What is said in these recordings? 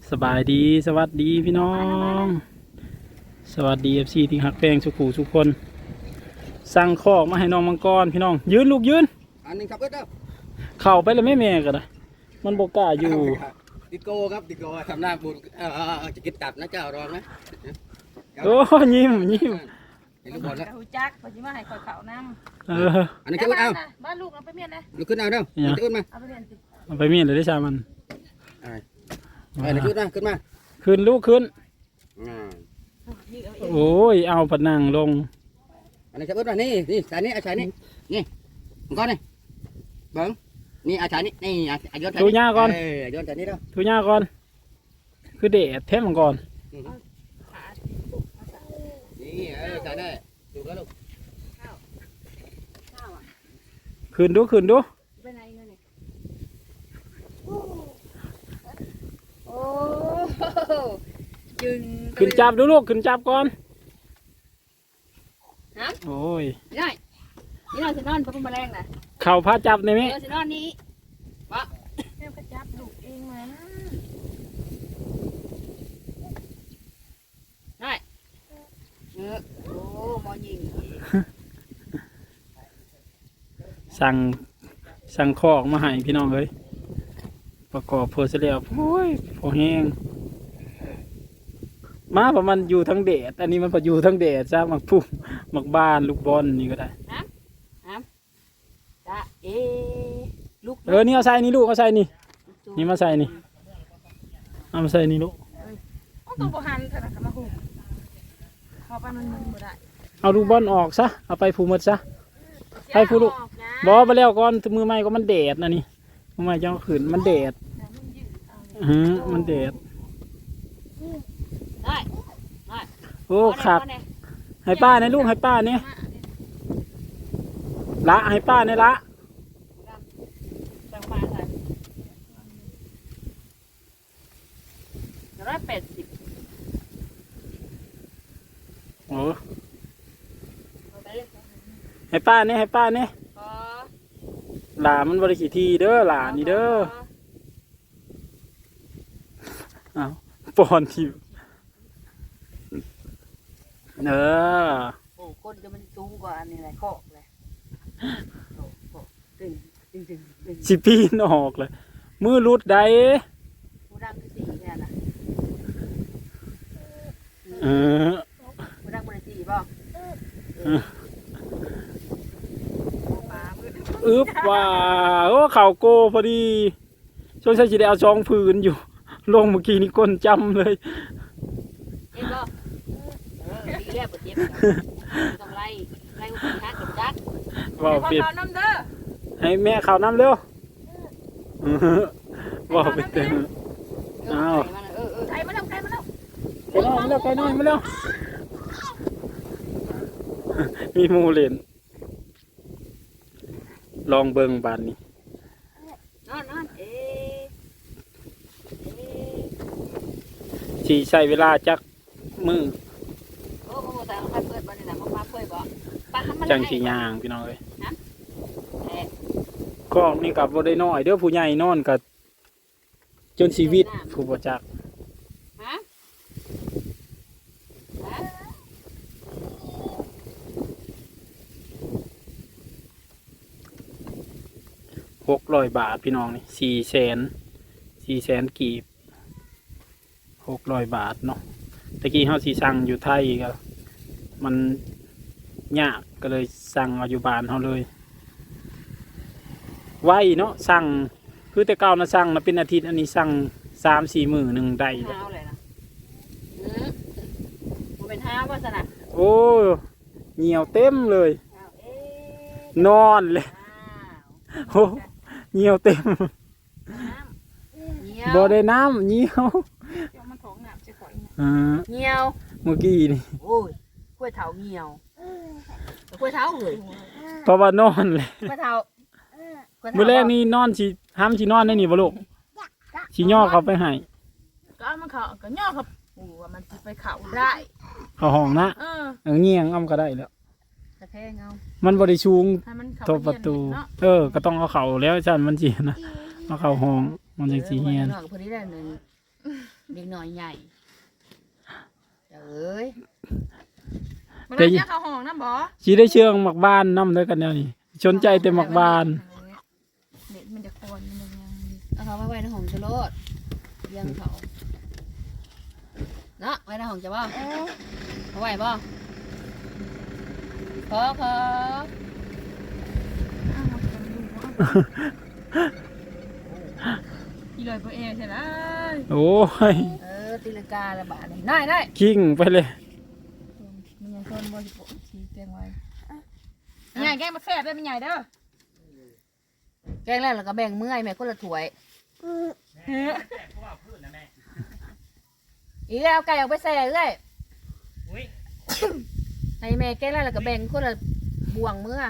สบายดีสวัสดีพี่น้องสวัสดีFCที่ฮักแพงสุขุสุกคนสั่งคอกมาให้น้องมังกรพี่น้องยืนลูกยืนอันนึงครับเอิ้นเด้อเข้าไปเลยแม่ก็ได้มันบกล้าอยู่ติโก้ครับติโก้ทำหน้าบุญจะกินตับนะเจ้ารองนะโอ้ยิ้มเห็นลูกบอลแล้วหูจักพอจิมาให้คอยเขาน้ำอันนี้จะเอิ้นเอาบ้านลูกเอาไปเมียนนะลูกขึ้นเอาเด้อจะเอิ้นมาเอาไปเมียนสิเอาไปเมียนเลยได้ชามันขึ้นมาขึ้นลูกขึ้นโอ้ยเอาผนังลงอันนี้จะเอิ้นมานี่สายนี้สายนี้นี่มังกรนี่เบิ้งนี่สายนี้นี่ย้อนสายนี้ทูญ่าก่อนย้อนสายนี้เด้อทูญ่าก่อนคือเดดแท้มังกรนี่สายนี้ดูแล้วลูกขึ้นดูไปไหนเงินเนี่ยโอ้จึงขึ้นจับดูลูกขึ้นจับก่อนฮะโอ้ยนี่นอนสินอนปะแมลงนะเข่าพาจับในไหมสินอนนี้วะแม่ก็จับลูกเองมาได้โอ้มอยิงสั่งคอกมาให้พี่น้องเลยประกอบเพอเสร็จโอ้ยพอแห้งมาประมาณอยู่ทั้งเดดอันนี้มันพออยู่ทั้งเดดจ้ามักพุ่มมักบ้านลูกบอลนี่ก็ได้จ้าลูกนี่เอาใส่นี่ลูกเอาใส่นี่นี่มาใส่นี่เอามาใส่นี่ลูกต้องบหันขนาดมาหุ่มพอไปมันไม่ได้เอาลูกบอลออกซะเอาไปผูมัดซะให้ผู้ลูกบอไปแล้วก่อนมือไม้ก็มันเดดนะนี่มือไม้จะขืนมันเดดมันเดดได้โอ้ขับให้ป้าในลูกให้ป้าเนี่ยละให้ป้าเนี่ยละ 180 โอ้ให้ป้าเนี่ยหลามันบริขีทีเด้อหลานี่เด้ออ้าวปอนทีโอ้คนจะมันสูงกว่าอันนี้แหละคอกเลยสิปีนออกเลยมือรุดได้ผู้ดังคือสีแค่น่ะผู้ดังบริสีป่ะว่าโอ้เข่าโกพอดีช่วงใช้จีได้เอาช่องพื้นอยู่ลงเมื่อกี้นี่ก้นจำเลยเอ็งก็ดีแล้วปวดเจ็บต้องไล่หัวขากับจักว่าเปลี่ยนให้แม่ข่าวน้ำเร็วว่าไปเต็มอ้าวใครมาแล้วไก่น้อยมาแล้วมีมูเลนลองเบิ่งบานนี้นอนสีใช้เวลาจักมือโอ้แต่ใครเปิดบ้านนี่นะมาเปิดบ่จังสีย่างพี่น้องเลยก็นี่กับบ่ได้น้อยเด้อผู้ใหญ่นอนกับจนชีวิตผู้บ่จัก600 บาทพี่น้องนี่400,000กีบ600 บาทเนาะตะกี้เขาสีสั่งอยู่ไทยก็มันยากก็เลยสั่งเอาอยู่บ้านเขาเลยไว้เนาะสั่งคือแต่เก่านะสั่งนะเป็นอาทิตย์อันนี้สั่ง3-4 มื้อหนึ่งได้เลยนะมันเป็นห้าว่าสนะโอ้เหนียวเต็มเลยนอนเลยโอ้เหนียวเต็มบ่ได้น้ำเหนียวเงียวเมื่อกี้นี่โอ้ยกล้วยเถาเงียวกล้วยเถาเลยเพราะว่านอนเลยกล้วยเถาเมื่อแรกนี่นอนสิห้ามสินอนได้นี่บ่ลูกสิย่อเขาไปให้ก็มันเขาก็ย่อครับโอ้มันสิไปเขาได้เขาห้องนะเงียงอ้ำก็ได้แล้วกระแทงเอามันบริชูงทบประตูก็ต้องเอาเข่าแล้วจันมันจีนะเอาเข่าห้องมันจะจีเฮียนพอดีได้หนึ่งเด็กน้อยใหญ่เอ้ยมันได้ยักเข้าห้องนะบ่สิได้เชื่องหมักบ้านนำด้วยกันแนวนี้สนใจแต่หมักบ้านเด็ดมันจะโคนมันยังเอาเขาไว้ในห้องจะโลดเลี้ยงเขาเนาะไว้ในห้องจะบ่เอาไว้บ่พออ้าวคนดูอีลอยตัวเองใช่ไหมโอ้ยตีลังกาละบาทเลยได้คิงไปเลยมันยังคนบ่สิโปชี้แจงไว้ใหญ่แกงมาแซ่บได้มันใหญ่เด้อแกงแล้วก็แบ่งเมื่อยแม่คนละถ้วยอีแล้วไก่ออกไปแซ่เลยให้แม่แกงแล้วก็แบ่งคนละบ่วงเมื่อ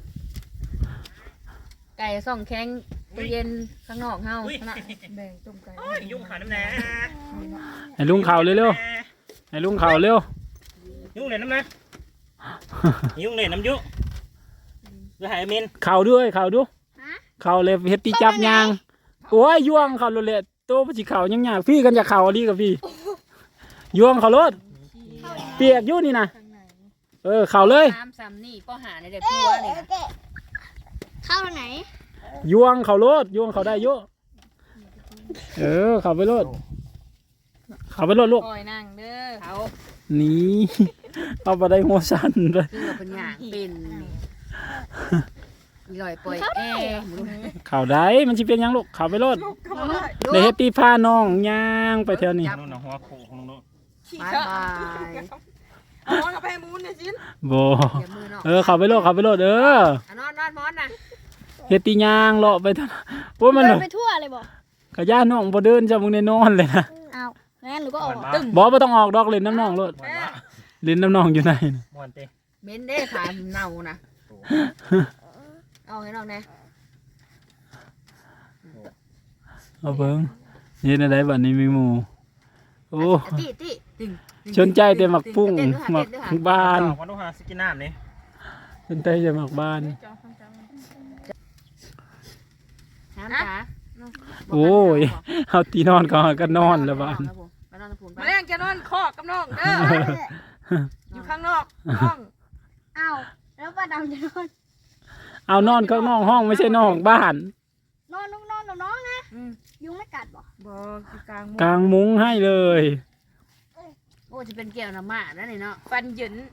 ไก่ส่องแข็งตู้เย็นข้างนอกเฮานะแบ่งต้มไก่ยุ่งขาน้ำแน่ให้ลุงเขาเร็วๆให้ลุงเขาเร็วยุ่งเลยน้ำนะยุ่งเลยน้ำยุด้วยหายมินเขาด้วยเขาดูเขาเลยเฮ็ดตีจับยางโอ้ยย่วงเขาโลดเลยโตบ่สิเขายังยากพี่กันอยากเขาดีกับพี่ย่วงเขาโลดเปียกอยู่นี่นะเขาเลยน้ำซ้ำนี่ก็หาในเด็กพัวนี่เข้าทางไหนย่วงเขาโลดย่วงเขาได้เยอะเขาไปโลดเขาไปโลดลูกคอยนั่งเด้อเขานี่เอาไปได้หัวสั่นเลยคือเราเป็นอย่างเป็นอีลอยปล่อยแอร์เขาได้มันสิเป็นหยังลูกเขาไปโลดเลยเฮ็ดตีผ้าน้องย่างไปแถวนี้นู่นน่ะหัวโขกของนู่นบายบายเอามอนกับแพมูนเนี่ยชิ้นบ่เดี๋ยวมือเนาะเขาไปโลดเขาไปโลดนอนมอนนะเฮ็ดตีย่างเลาะไปเท่านั้นโอ้ยมันเดินไปทั่วเลยบอกกะย่าน้องบ่เดินจะมึงได้นอนเลยนะอ้าวงั้นหนูก็ออกตึ้งบ่ต้องออกดอกเล่นน้ำน้องโลดเล่นน้ำน้องอยู่ไหนน่ะมวนเต้เม้นได้ขาเน่านะเอาให้น้องนะเอาเบิ่งเฮ็ดอะไรบัดนี้มีหมู่โอ้ติตึงสนใจแต่หมักปุ้งหมักบ้านดอกวันนู้นหาสกินน้ำนี่สนใจแต่หมักบ้านน้ำจ๋าโอ้ยเอาตีนอนก็นอนแล้วบ้านไปนอนพูนไปมาแรงจะนอนคอกกับน้องเด้ออยู่ข้างนอกห้องอ้าวแล้วป้าดำจะนอนเอานอนข้างนอกห้องไม่ใช่นอกบ้านนอนนอนกับน้องนะยุงไม่กัดบอกบ่คือกลางกางมุ้งให้เลยโอ้จะเป็นแก้วน้ำมานั่นนี่เนาะฟันหยิน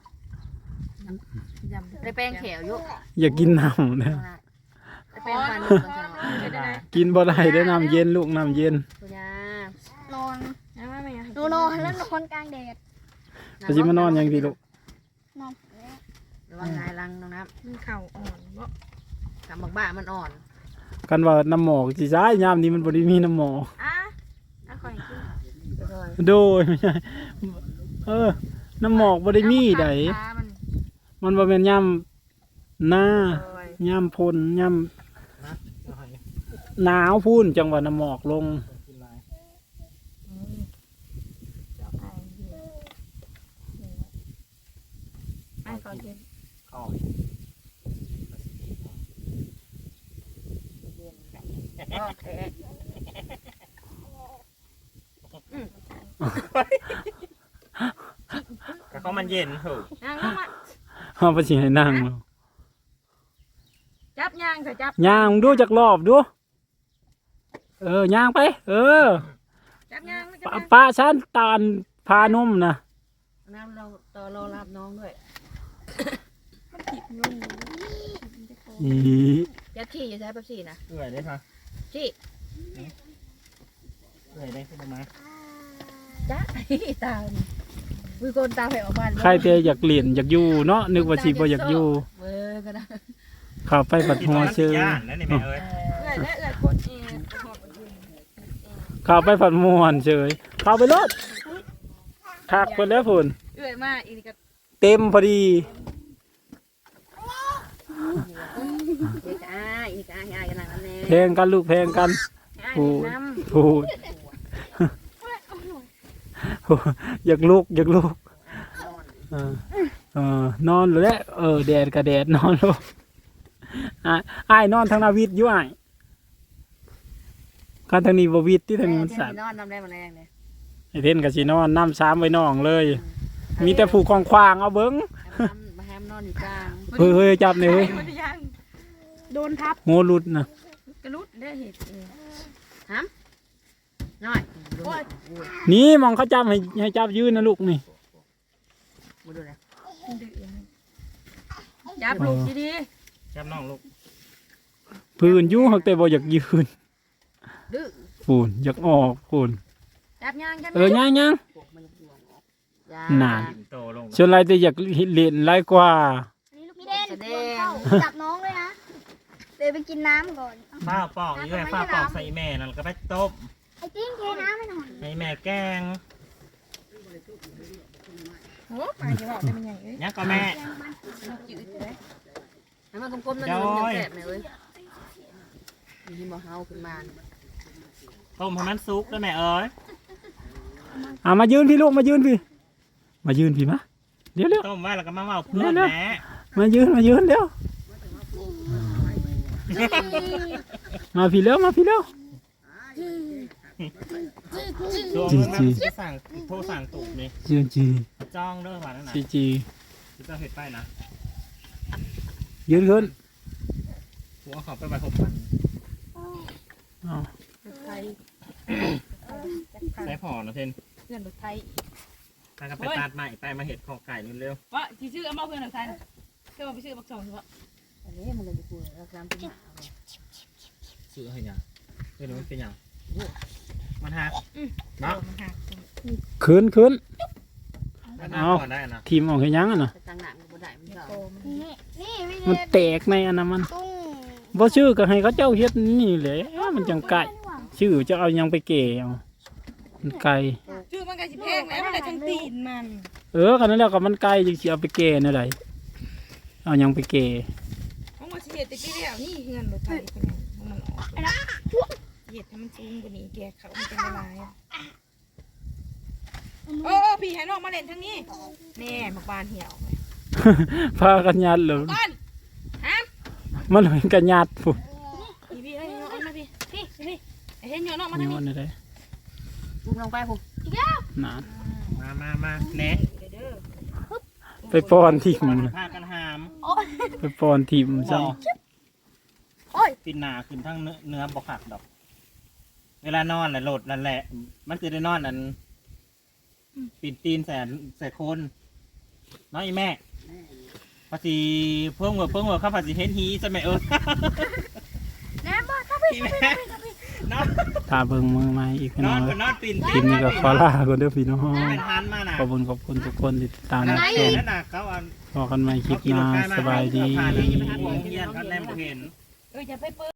ได้แป้งแขวอยู่อย่ากินน้ำนะได้แป้งฟันเฮ็ดได้ไหนกินบ่ได้ได้น้ำเย็นลูกน้ำเย็นคุณยานอนยังไม่ยังหนูนอนแล้วนอนกลางแดดจะสิมานอนยังดีลูกนอนระวังนายรังน้องน้มันเข่าอ่อนบ่ำกำบักบ้ามันอ่อนกันว่าน้ำหมอกสิซ้ายยามนี้มันบ่ได้มีน้ำหมอกอ่ะคอยกินโดยไม่ใช่น้ำหมอกบ่ได้มีใด มันบ่แม่นยามหน้ายามพ่นยามหนาวพูนจังหวะน้ำหมอกลงไอ้ก่อนกินเข้า ก็มันเย็นเหรอนั่งลงมาเอาไปสิให้นั่งเนาะจับย่างใส่จับย่างดูจักรอบดูย่างไปจับย่างจับป้าฉันตาลพานุ่มนะน้ำเราต่อรอรับน้องด้วยอียัดขี้อย่าใช้แป๊บซี่นะเอื่อยได้ค่ะขี้เอื่อยได้ขึ้นมาจ้าตาวิโกนตาแผ่ออกมาใครแต่อยากเล่นอยากอยู่เนาะนึกว่าสิบ่อยากอยู่ก็ได้เข้าไปปัดหัวเชื่อย่านนั่นนี่แม่เอ้ยเอื่อยและเอื่อยคนเองเข้าไปปัดม่วนเฉยเข้าไปรถคักเพิ่นแล้วพุ่นเอื่อยมากอีนี่ก็เต็มพอดีอีกกันนั่งนั่นเองแพงกันลูกแพงกัน พูดน้ำพูดอยากลุกนอนเลยแดดกับแดดนอนลูกอ้ายนอนทางนาวิทย์อยู่อ้ายการทางนี้บ่วิทย์ที่ทางนี้มันสั่นนอนน้ำได้มาแรงเลยไอเทนกับสีนอนน้ำซ้ำไว้น้องเลย มีแต่ผูกควางๆเอาเบิ้งมาแฮมนอนอยู่กลางเฮ้ยจับเนี่ยเฮ้ยมันยังโดนทับงูหลุดนะกระลุดได้เห็ดเองน้อยนี่มองเขาจับให้จับยืนนะลูกนี่มาดูเลยดื้อจับลูกดีจับน้องลูกพื้นอยู่หักแต่บ่อยากยืนดื้อปูนอยากออกปูนๆจับย่างจับย่างมันจะบวงออกนานโตลงส่วนไรแต่อยากเล่นไรกว่านี่ลูกพี่เด่นโดนเข้าจับน้องเลยนะเดี๋ยวไปกินน้ำก่อนฝ้าปอกอยู่ไอ้ฝ้าปอกใส่แม่นั่นก็ไปต้มไอ้ติ้งเทน้ำให้หน่อยให้แม่แกงโอ้ปลาจะบอกได้มันยังเอ้ยยังก็แม่จืดเลยให้มันกลมๆนั่นอยู่แสบเลยมีหมอเฮาขึ้นมาต้มให้มันสุกแล้วแม่เอ้ยมายืนพี่ลูกมายืนพี่มายืนพี่มาเดี๋ยวต้มไว้แล้วก็มาเมาเพื่อนแม่มายืนเดี๋ยวมาพี่เร็วมาพี่เร็วตัวมึงนะสั่งโทรสั่งตุกนี่จีจ้องเด้อว่านั่นน่ะจีจะต้องเห็ดไปนะยืนขึ้นหัวเขาไปไว้6 วันอ้าวไทยใส่พอนะเทนเพื่อนรถไทยถ้าก็ไปตัดใหม่ไปมาเห็ดข้อไก่นี่เร็วว่าที่ชื่อเอามาเพื่อนรถไทยเชื่อว่าไปชื่อบักสองใช่ปะอันนี้มันเลยจะพูดแล้วกลางเป็นหมาซื้อให้ยังเฮ้ยมันเป็นยังมันหักเนาะมันหักขึ้นมันหักก่อนได้นะทีมออกให้ยังอ่ะนะแต่ตั้งหนักมันบ่ได้มันจะโตมันนี่นี่พี่มันเด่นแตกในอันนั้นมันตุ้งบ่ชื่อก็ให้เขาเจ้าเฮ็ดนี่แหละมันจังไก่ชื่อจะเอายังไปเก่เอามันไก่ชื่อมันก็สิแพงแล้วมันได้ทั้งตีนมันกันนั่นแหล้วก็มันไก่จึงสิเอาไปเก่นั่นแหละเอายังไปเก่มันว่าสิเฮ็ดแต่ที่แล้วนี่เฮือนรถไทยเป็นยังมันออกเฮ็ดให้มันสูงกว่านี้แกเขามันเป็นละลายโอ้พี่ให้น้องมาเล่นทางนี้แน่มักบานเหี่ยวพากันยัดเลยก่อนฮะมันเป็นกันยัดพุ่นพี่เอ้ยน้องมาพี่ไอ้เห็นน้องมานี่ทางนี้วันนี้ได้พุ่งลงไปพุ่งนานมาแหน่เด้อไปป้อนทีมพากันหามไปป้อนทีมซะปินหนาขึ้นทั้งเนื้อบ่หักดอก เวลานอนแหละโหลดนั่นแหละ มันคือได้นอนอันปิดตีนใส่โคนน้อยแม่ภาษีเพิ่งเวิร์ดเข้าภาษีเฮนฮีใช่ไหมแหนมบ่ถ้าพี่พี่แม่นอนถ้าเบิ่งมือใหม่อีกพี่นน้ออน งก็นอนปิ่นทีมนี้ก็ขอลาก่อนเด้อพี่น้องเป็นฮันมาน่ะขอบคุณทุกคนที่ติดตามนั่รับนชมนั่นน่ะเขาเอาพอกันใหม่คลิปหน้าสบายดีเฮียนเขาแนมบ่เห็นจะไปเปิด